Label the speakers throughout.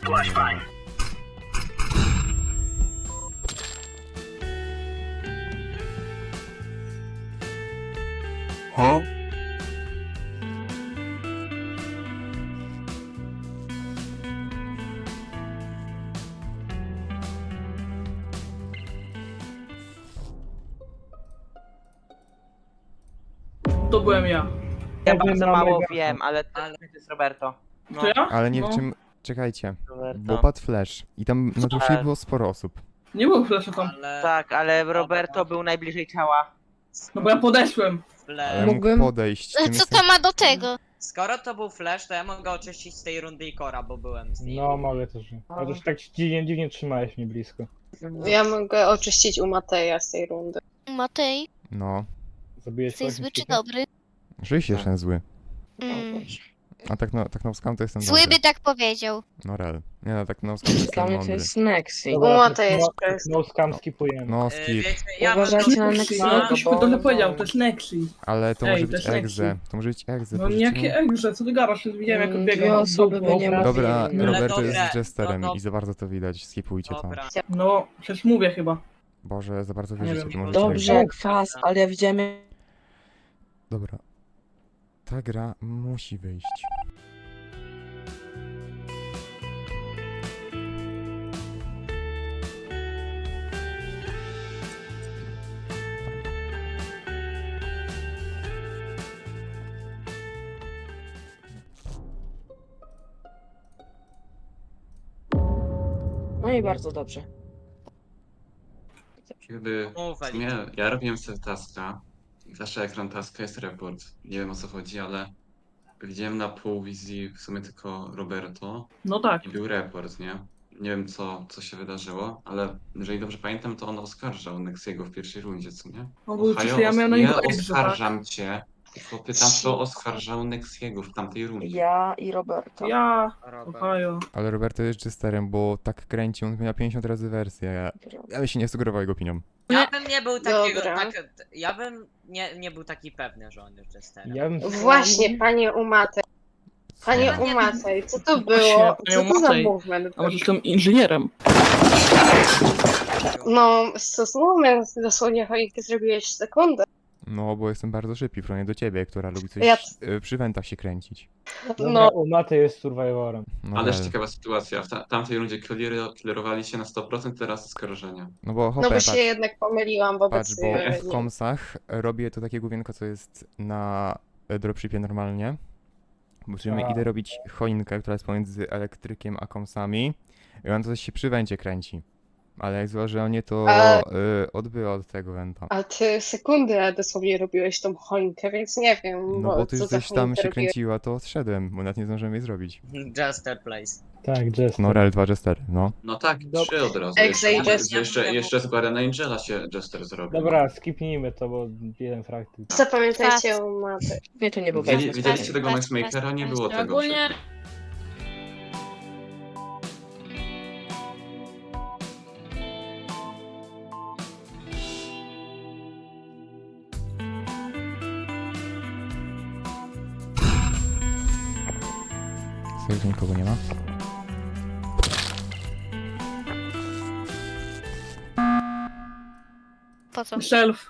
Speaker 1: Huh?
Speaker 2: To byłem ja.
Speaker 3: Ja bardzo mało
Speaker 4: megafon.
Speaker 3: wiem, ale to jest Roberto. No,
Speaker 2: To ja?
Speaker 5: Ale nie
Speaker 2: No.
Speaker 5: w czym... Czekajcie.
Speaker 3: Roberto.
Speaker 5: Bo padł flash. I tam na dłuższej
Speaker 3: Ale-
Speaker 5: było sporo osób.
Speaker 2: Nie było flasha tam.
Speaker 3: Tak, ale Roberto był najbliżej ciała.
Speaker 2: No bo ja podeszłem.
Speaker 5: Ale
Speaker 6: Mógłbym-
Speaker 5: mógł podejść. Tym
Speaker 7: Co
Speaker 5: jestem-
Speaker 7: to ma do tego?
Speaker 8: Skoro to był flash, to ja mogę oczyścić z tej rundy i Kora, bo byłem z nim.
Speaker 4: No, mogę też. Chociaż tak dziwnie trzymałeś mnie blisko.
Speaker 6: Ja mogę oczyścić u Mateja z tej rundy.
Speaker 7: Matej,
Speaker 4: Zabiłeś
Speaker 5: No.
Speaker 7: jesteś
Speaker 4: kogoś,
Speaker 7: zły czy
Speaker 4: Nikita?
Speaker 7: dobry?
Speaker 5: Rzeczywiście jestem zły.
Speaker 7: Mm.
Speaker 5: A tak na skam to jestem
Speaker 7: Zły
Speaker 5: dobry.
Speaker 7: by tak powiedział.
Speaker 5: No rel. Nie no, tak na skam to
Speaker 6: Dla
Speaker 5: jestem
Speaker 6: mnie to
Speaker 5: mądry.
Speaker 6: jest Nexi.
Speaker 4: Dobra,
Speaker 6: U Mateja jest
Speaker 4: no,
Speaker 6: przez.
Speaker 4: no scam skipujemy.
Speaker 5: No
Speaker 8: Wiecie,
Speaker 5: skip.
Speaker 8: ja
Speaker 6: Uważajcie
Speaker 8: mam
Speaker 6: na
Speaker 8: dosyć
Speaker 6: Nexiego,
Speaker 8: na-
Speaker 2: Ktoś
Speaker 6: bo-
Speaker 2: mi to powiedział, to jest Nexi.
Speaker 5: Ale to
Speaker 2: Ej,
Speaker 5: może
Speaker 2: to
Speaker 5: być
Speaker 2: jest
Speaker 5: egze.
Speaker 2: Nexi.
Speaker 5: To może być egze.
Speaker 2: No
Speaker 5: bo
Speaker 2: jakie
Speaker 5: rzeczywiście-
Speaker 2: egrze, co ty gadasz? Widziałem jak
Speaker 6: Dwie
Speaker 2: odbiegał.
Speaker 6: osoby by nie mogły.
Speaker 5: Dobra,
Speaker 6: No,
Speaker 5: Roberto
Speaker 8: dobra,
Speaker 5: jest jesterem
Speaker 8: no to-
Speaker 5: i za bardzo to widać. Skipujcie to.
Speaker 8: Dobra.
Speaker 2: No, przecież mówię chyba.
Speaker 5: Boże, za bardzo
Speaker 2: Nie
Speaker 5: wierzycie,
Speaker 2: wiem.
Speaker 5: to może być
Speaker 6: Dobrze,
Speaker 5: egze.
Speaker 6: kwas, ale ja widziałem.
Speaker 5: Dobra. Ta gra musi wyjść.
Speaker 6: No i bardzo dobrze.
Speaker 9: Jakby
Speaker 8: Mów,
Speaker 9: w
Speaker 8: Elik.
Speaker 9: sumie ja robiłem sobie taska i zawsze ekran taska jest report. Nie wiem o co chodzi, ale widziałem na pół wizji w sumie tylko Roberto
Speaker 2: No tak.
Speaker 9: i był report, nie? Nie wiem co się wydarzyło, ale jeżeli dobrze pamiętam, to on oskarżał Nexiego w pierwszej rundzie, co nie?
Speaker 2: No bo
Speaker 9: Ohio,
Speaker 2: przecież ja miałem na
Speaker 9: nie
Speaker 2: niego egrze, tak?
Speaker 9: oskarżam cię, tylko pytam, kto oskarżał Nexiego w tamtej rundzie.
Speaker 6: Ja i Roberto.
Speaker 2: Ja,
Speaker 8: Robert.
Speaker 2: Ohio.
Speaker 5: Ale Roberto jest jesterem, bo tak kręci, on miał 50 razy wersję. Ja bym się nie sugerował jego opinią.
Speaker 8: Ja bym nie był takiego,
Speaker 6: Dobra.
Speaker 8: ja bym nie był taki pewny, że on jest jesterem.
Speaker 4: Ja bym...
Speaker 6: Właśnie, panie Umate. Panie
Speaker 8: Nie.
Speaker 6: Umatej, co to
Speaker 2: Właśnie,
Speaker 6: było?
Speaker 2: panie
Speaker 6: Co to za
Speaker 2: Umatej.
Speaker 6: movement?
Speaker 2: A może jestem inżynierem?
Speaker 6: No, stosunek dosłownie choinkę zrobiłeś w sekundę.
Speaker 5: No, bo jestem bardzo szybki w porównaniu do ciebie, która lubi coś
Speaker 6: Ja-
Speaker 5: przy wentach się kręcić.
Speaker 6: No,
Speaker 4: U Maty jest survivorem.
Speaker 5: No,
Speaker 9: Ależ
Speaker 5: rel.
Speaker 9: ciekawa sytuacja, w tamtej rundzie killerowali się na 100%, teraz oskarżenia.
Speaker 5: No bo
Speaker 6: no
Speaker 5: hopę,
Speaker 6: bo
Speaker 5: patrz,
Speaker 6: się jednak pomyliłam
Speaker 5: patrz,
Speaker 6: wobec...
Speaker 5: bo w komsach robię to takie główienko, co jest na dropshipie normalnie. Po czym
Speaker 4: A.
Speaker 5: idę robić choinkę, która jest pomiędzy elektrykiem a komsami. I on to coś się przy wencie kręci. Ale jak złożę nie, to
Speaker 6: A-
Speaker 5: odbyła od tego wenta.
Speaker 6: A ty sekundę dosłownie robiłeś tą choinkę, więc nie wiem,
Speaker 5: No bo ty
Speaker 6: co
Speaker 5: już
Speaker 6: za
Speaker 5: coś tam
Speaker 6: choinkę
Speaker 5: się
Speaker 6: robiłeś.
Speaker 5: kręciła, to odszedłem, bo nawet nie zdążyłem jej zrobić.
Speaker 8: Jester Place.
Speaker 4: Tak, Jester.
Speaker 5: No rel 2 jester, no.
Speaker 9: No tak,
Speaker 4: Dob-
Speaker 9: 3 od razu.
Speaker 6: Exe i
Speaker 9: Jeszcze,
Speaker 6: Jester.
Speaker 9: jeszcze z Guardiana Angela się Jester zrobił.
Speaker 4: Dobra, skipnijmy to, bo jeden fraktyk.
Speaker 6: Zapamiętajcie Umatej. Nie, to nie był
Speaker 9: Widzieliście tego Maxmakera? Nie było tego.
Speaker 2: Ogólnie...
Speaker 5: Sobie tu nikogo nie ma.
Speaker 7: Po co?
Speaker 2: Shelf.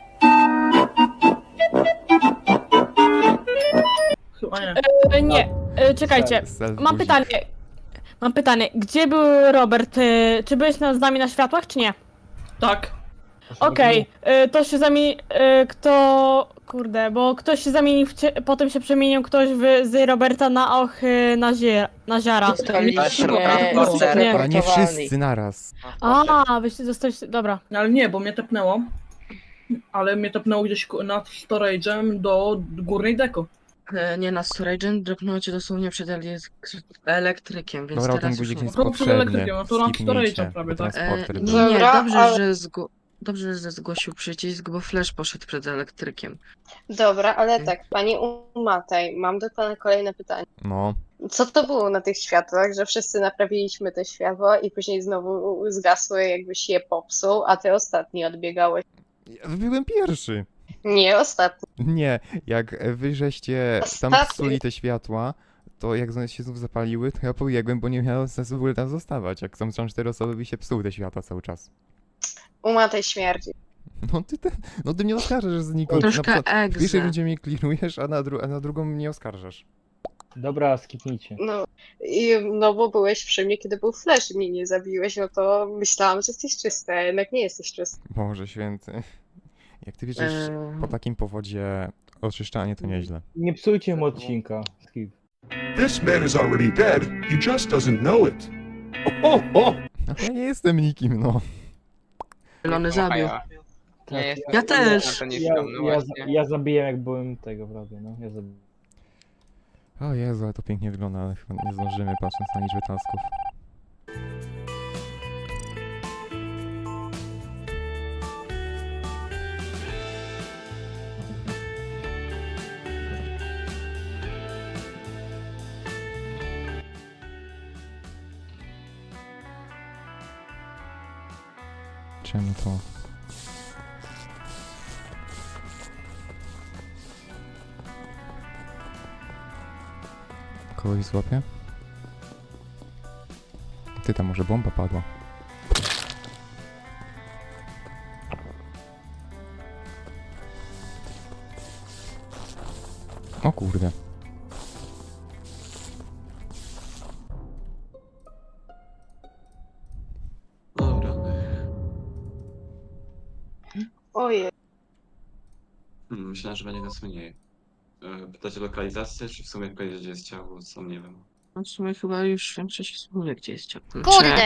Speaker 2: Chyba nie.
Speaker 10: Nie, czekajcie.
Speaker 5: Self
Speaker 10: Mam
Speaker 5: guzik.
Speaker 10: pytanie. Mam pytanie. Gdzie był Robert? Czy byłeś z nami na światłach, czy nie?
Speaker 2: Tak.
Speaker 10: Okej, to się zamieni... kto... Kurde, bo ktoś się zamienił potem się przemienił ktoś z Roberta na na ziara.
Speaker 6: Dostaliśmy
Speaker 10: Nie.
Speaker 5: A nie wszyscy naraz.
Speaker 10: A, wyście dostaliście... Dobra.
Speaker 2: No ale nie, bo mnie tepnęło. Ale mnie tepnęło gdzieś nad storage'em do górnej deko.
Speaker 6: Nie, na Storage'em dropnęło cię dosłownie przed elektrykiem, więc
Speaker 5: Dobra, ten
Speaker 6: teraz już
Speaker 5: guzik
Speaker 6: nie.
Speaker 5: jest
Speaker 2: No to przed
Speaker 5: potrzebny.
Speaker 2: elektrykiem, no to nad
Speaker 5: Skipnijcie,
Speaker 2: storage'em prawie,
Speaker 5: bo
Speaker 2: tak?
Speaker 5: transporter był.
Speaker 6: Nie,
Speaker 11: Dobra,
Speaker 6: dobrze,
Speaker 11: ale-
Speaker 6: dobrze, że zgłosił przycisk, bo Flash poszedł przed elektrykiem.
Speaker 11: Dobra, ale tak, pani Umatej, mam do pana kolejne pytanie.
Speaker 5: No.
Speaker 11: Co to było na tych światłach, że wszyscy naprawiliśmy te światła i później znowu zgasły, jakbyś je popsuł, a ty ostatni odbiegałeś?
Speaker 5: Ja byłem pierwszy.
Speaker 11: Nie, ostatni.
Speaker 5: Nie, jak wy żeście tam
Speaker 11: Ostatni.
Speaker 5: psuli te światła, to jak one się znów zapaliły, to ja pobiegłem, bo nie miało sensu w ogóle tam zostawać. Jak są 4 osoby, by się psuły te światła cały czas.
Speaker 11: Uma tej śmierci.
Speaker 5: No ty mnie oskarżasz znikąd.
Speaker 6: Troszkę
Speaker 5: W pierwszej
Speaker 6: egze.
Speaker 5: rundzie mnie kliknujesz, a na drugą mnie oskarżasz.
Speaker 4: Dobra, skipnijcie.
Speaker 11: No bo byłeś przy mnie, kiedy był flash i mnie nie zabiłeś, no to myślałam, że jesteś czysty, a jednak nie jesteś czysty.
Speaker 5: Boże święty. Jak ty wiedziesz, po takim powodzie oczyszczanie to nieźle.
Speaker 4: Nie psujcie mu odcinka. Skip.
Speaker 1: This man is already dead. He just doesn't know it. Oh, oh.
Speaker 5: No ja nie jestem nikim, no.
Speaker 6: Zielony zabił.
Speaker 4: Tak,
Speaker 6: Ja też.
Speaker 4: ja zabiłem jak byłem tego prawie, no. Ja zabiłem.
Speaker 5: O Jezu, ale to pięknie wygląda, ale chyba nie zdążymy patrząc na liczbę tasków. Czemu to? Kogoś złapie? Ty, tam może bomba padła. O kurde.
Speaker 9: Dobra.
Speaker 11: Ojej.
Speaker 9: Myślałem, że będzie nas mniej. Pytacie o lokalizację, czy w sumie powiedzieć, gdzie jest ciało? Sam nie wiem.
Speaker 6: No w sumie chyba już większość osób wie, gdzie jest ciało.
Speaker 7: Kurde!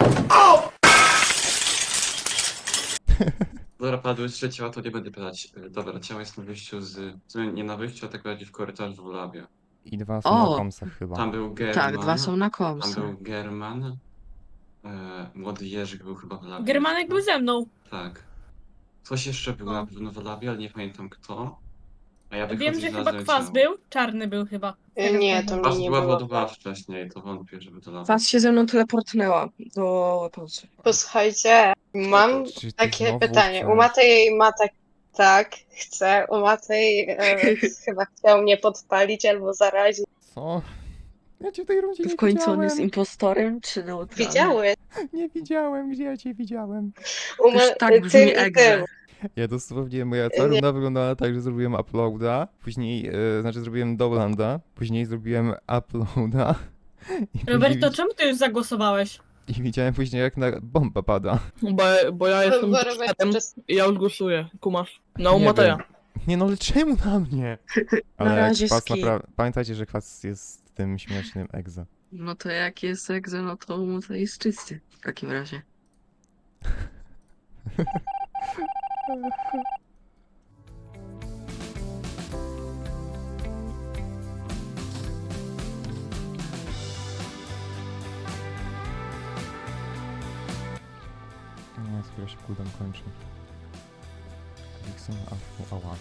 Speaker 9: Dobra, padły 3 ciała, to nie będę pytać. Dobra, ciało jest na wyjściu w sumie nie na wyjściu, a tak bardziej w korytarzu w labie.
Speaker 5: I 2 są
Speaker 6: O!
Speaker 5: na komsach chyba.
Speaker 9: Tam był German.
Speaker 6: Tak, 2 są na
Speaker 9: Tam
Speaker 6: komsach.
Speaker 9: był German. Młody Jerzyk był chyba w labie.
Speaker 10: Germanek był ze mną.
Speaker 9: Tak. Ktoś jeszcze był na pewno w labie, ale nie pamiętam kto. A ja wychodzę
Speaker 10: Wiem, że
Speaker 9: i
Speaker 10: chyba
Speaker 9: znalazłem
Speaker 10: kwas
Speaker 9: ciało.
Speaker 10: był. Czarny był chyba.
Speaker 11: Nie, to
Speaker 9: Kwas
Speaker 11: mnie nie
Speaker 9: była
Speaker 11: było.
Speaker 9: wodowa wcześniej, to wątpię, żeby to lawa.
Speaker 6: Was się ze mną teleportnęła do weaponsy.
Speaker 11: Posłuchajcie, mam
Speaker 5: Czy ty
Speaker 11: takie
Speaker 5: znowu
Speaker 11: pytanie.
Speaker 5: chcesz?
Speaker 11: U Matej ma tak, chce. U Matej chyba chciał mnie podpalić albo zarazić.
Speaker 5: Co? Ja cię w tej rundzie nie
Speaker 6: W końcu on jest
Speaker 5: widziałem.
Speaker 6: impostorem czy neutralnym?
Speaker 11: Widziałeś?
Speaker 5: Nie widziałem, gdzie ja cię widziałem.
Speaker 6: Też tak brzmi
Speaker 11: ty i
Speaker 6: egze.
Speaker 11: ty.
Speaker 5: Ja dosłownie, moja cała runda wyglądała tak, że zrobiłem uploada, później, znaczy zrobiłem downloada, później zrobiłem uploada i
Speaker 10: Roberto,
Speaker 5: później,
Speaker 10: czemu ty już zagłosowałeś?
Speaker 5: i widziałem później jak na bomba pada.
Speaker 2: Bo ja jestem
Speaker 11: Bo Robert
Speaker 2: światem
Speaker 11: czas-
Speaker 2: i ja już głosuję, kumasz.
Speaker 5: Nie
Speaker 2: No, Mateja.
Speaker 5: wiem. Nie no, ale czemu na mnie?
Speaker 6: Na
Speaker 5: Ale
Speaker 6: razie
Speaker 5: kwas
Speaker 6: skip.
Speaker 5: pamiętajcie, że kwas jest tym śmiesznym egzo.
Speaker 6: No to jak jest egze, no to mu to jest czysty. W takim razie.
Speaker 5: Nie, skoro się cooldown kończy. Dixon, afu, ała.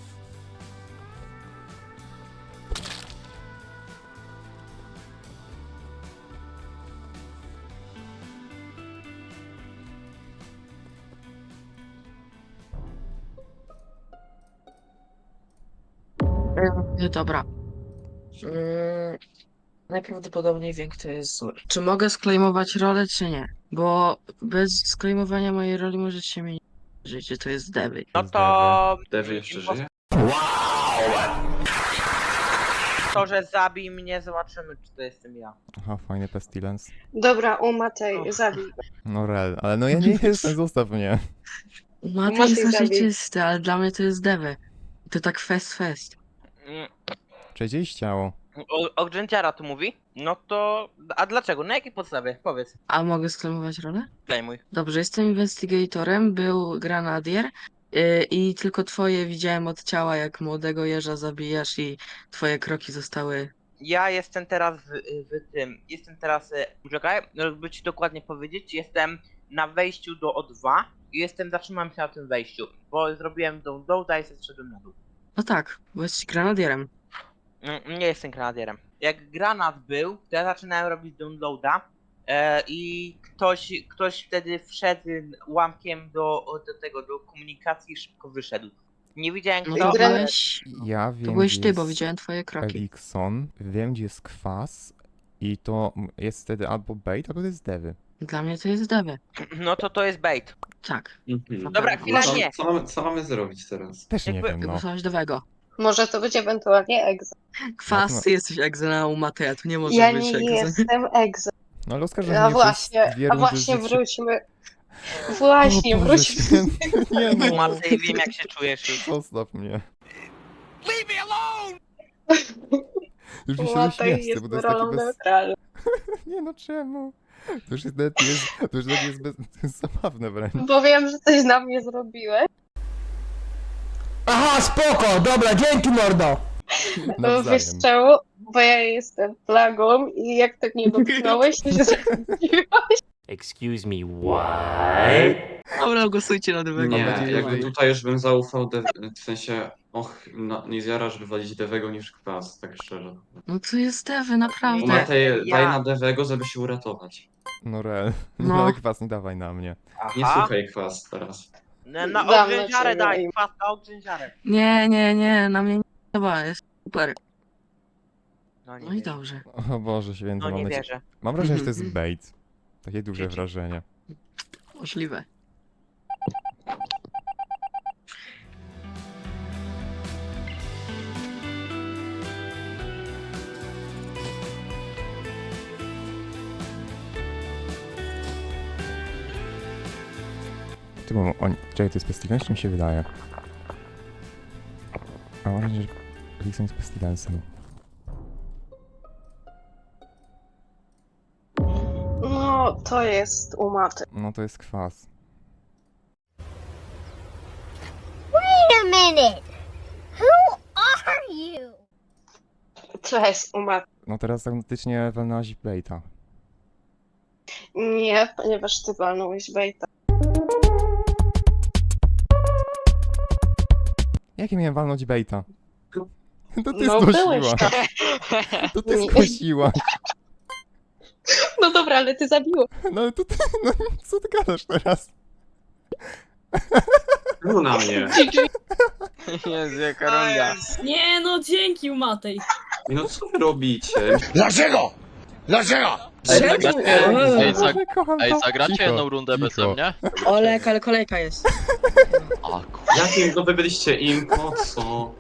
Speaker 6: Dobra. Najprawdopodobniej wiem, kto jest zły. Czy mogę sklejmować rolę, czy nie? Bo bez sklejmowania mojej roli możecie mnie nie wierzyć, że to jest Dewy.
Speaker 3: No to...
Speaker 9: Dewy jeszcze żyje?
Speaker 3: To, że zabij mnie, zobaczymy, czy to jestem ja.
Speaker 5: Aha, fajny pestilence.
Speaker 11: Dobra, u Matej, zabij go.
Speaker 5: No rel, ale no ja nie jestem, zostaw mnie.
Speaker 6: Mati
Speaker 11: Mati
Speaker 6: jest raczej
Speaker 11: zabił.
Speaker 6: czysty, ale dla mnie to jest Dewy. To tak fest.
Speaker 3: Mm,
Speaker 5: Czy gdzieś ciało?
Speaker 3: O Gentiara tu mówi? No to... A dlaczego? Na jakiej podstawie? Powiedz.
Speaker 6: A mogę sklejmować rolę?
Speaker 3: Klejmuj.
Speaker 6: Dobrze, jestem investigatorem, był granadier i tylko twoje widziałem od ciała, jak młodego jeża zabijasz i twoje kroki zostały...
Speaker 3: Ja jestem teraz w tym... Jestem teraz... Czekaj, żeby ci dokładnie powiedzieć, jestem na wejściu do O2 i zatrzymałem się na tym wejściu, bo zrobiłem downloada i zeszedłem na dół.
Speaker 6: No tak, bo jesteś granadierem.
Speaker 3: Nie jestem granadierem. Jak granat był, to ja zaczynałem robić downloada i ktoś wtedy wszedł łamkiem do komunikacji i szybko wyszedł. Nie widziałem
Speaker 6: No
Speaker 3: kto.
Speaker 6: to
Speaker 11: Gra-
Speaker 6: byłeś,
Speaker 5: Ja wiem,
Speaker 6: to byłeś
Speaker 5: gdzie
Speaker 6: ty, bo
Speaker 5: jest
Speaker 6: widziałem twoje kroki.
Speaker 5: Elikson, wiem gdzie jest kwas i to jest wtedy albo bait, albo to jest Dewy.
Speaker 6: Dla mnie to jest Dewy.
Speaker 3: No to jest bait.
Speaker 6: Tak.
Speaker 9: Mhm.
Speaker 3: Dobra, chwila,
Speaker 9: Co-
Speaker 3: nie.
Speaker 9: Co mamy zrobić teraz?
Speaker 5: Też nie
Speaker 3: Jakby-
Speaker 5: wiem, no.
Speaker 6: Głosowałeś Dewego.
Speaker 11: Może to być ewentualnie egzo.
Speaker 6: Kwas,
Speaker 5: No to-
Speaker 6: ty jesteś egzena u Mateja, tu nie może
Speaker 11: Ja
Speaker 6: być
Speaker 11: nie
Speaker 6: egzeny.
Speaker 11: jestem egzo.
Speaker 5: No ale oskarżenie
Speaker 11: A
Speaker 5: przez
Speaker 11: właśnie,
Speaker 5: dwie
Speaker 11: a
Speaker 5: rundy
Speaker 11: właśnie
Speaker 5: życia.
Speaker 11: wróćmy. Właśnie,
Speaker 5: O Boże
Speaker 11: wróćmy.
Speaker 5: święty, nie no.
Speaker 3: Matej, wiem jak się czujesz już.
Speaker 5: Zostaw mnie. Już mi się
Speaker 11: Matej
Speaker 5: uśmiechce,
Speaker 11: jest
Speaker 5: bo to jest takie
Speaker 11: rolą
Speaker 5: bez...
Speaker 11: neutralną.
Speaker 5: Nie no, czemu? To już jest, nawet jest, to już nawet jest, bez... to jest zabawne wręcz.
Speaker 11: Bo wiem, że coś na mnie zrobiłeś.
Speaker 12: Aha, spoko, dobra, dzięki mordo.
Speaker 11: No wiesz
Speaker 5: Nawzajem.
Speaker 11: czemu? Bo ja jestem plagą i jak tak nie dotknąłeś, to się zaraziłaś.
Speaker 12: Excuse me, what?
Speaker 6: Dobra, głosujcie na Dewego.
Speaker 9: Nie,
Speaker 5: nadzieję,
Speaker 9: jakby
Speaker 5: że-
Speaker 9: tutaj już bym zaufał, w sensie, nie zjarasz wywalić Dewego niż kwas, tak szczerze.
Speaker 6: No to jest Dewy, naprawdę.
Speaker 9: Matej,
Speaker 3: ja-
Speaker 9: daj na Dewego, żeby się uratować.
Speaker 5: No real.
Speaker 6: No.
Speaker 5: No ale kwas nie dawaj na mnie.
Speaker 9: Nie
Speaker 3: Aha.
Speaker 9: słuchaj kwas teraz.
Speaker 3: Na
Speaker 11: Dam
Speaker 3: ogrzęziarę
Speaker 11: na ciebie
Speaker 3: daj,
Speaker 11: im.
Speaker 3: kwas na ogrzęziarę.
Speaker 6: Nie, na mnie nie chyba jest super.
Speaker 3: No nie
Speaker 6: No i
Speaker 3: wierzę.
Speaker 6: dobrze.
Speaker 5: O Boże święty,
Speaker 3: No
Speaker 5: mam
Speaker 3: nie
Speaker 5: nadzieję.
Speaker 3: wierzę.
Speaker 5: Mam wrażenie, że to jest bait. Takie duże wrażenie.
Speaker 6: Możliwe.
Speaker 5: Ty, bo oni... Czekaj, to jest pestilence, czy mi się wydaje? A mam wrażenie, że Elikson jest pestilensem.
Speaker 11: No, to jest u Maty.
Speaker 5: No to jest kwas.
Speaker 7: Wait a minute! Who are you?
Speaker 11: To jest u Maty.
Speaker 5: No teraz autentycznie walnęłaś baita.
Speaker 11: Nie, ponieważ ty walnąłeś bejta.
Speaker 5: Jakie miałem walnąć baita? To ty
Speaker 11: No byłeś
Speaker 5: skosiłaś.
Speaker 11: tam.
Speaker 5: To ty
Speaker 11: Nie.
Speaker 5: skosiłaś.
Speaker 11: No dobra, ale ty zabiło.
Speaker 5: No ale to ty... No co ty gadasz teraz?
Speaker 9: No na mnie.
Speaker 3: Jezu, jaka runda.
Speaker 10: Nie no, dzięki Matej.
Speaker 9: No co wy robicie?
Speaker 1: Dlaczego? Dlaczego?
Speaker 5: Boże, kocham to.
Speaker 12: zagracie
Speaker 5: Cicho,
Speaker 12: jedną rundę
Speaker 5: cicho.
Speaker 12: beze mnie?
Speaker 6: Olek, ale kolejka jest.
Speaker 12: A,
Speaker 9: Jakim to wy byliście im? Po co?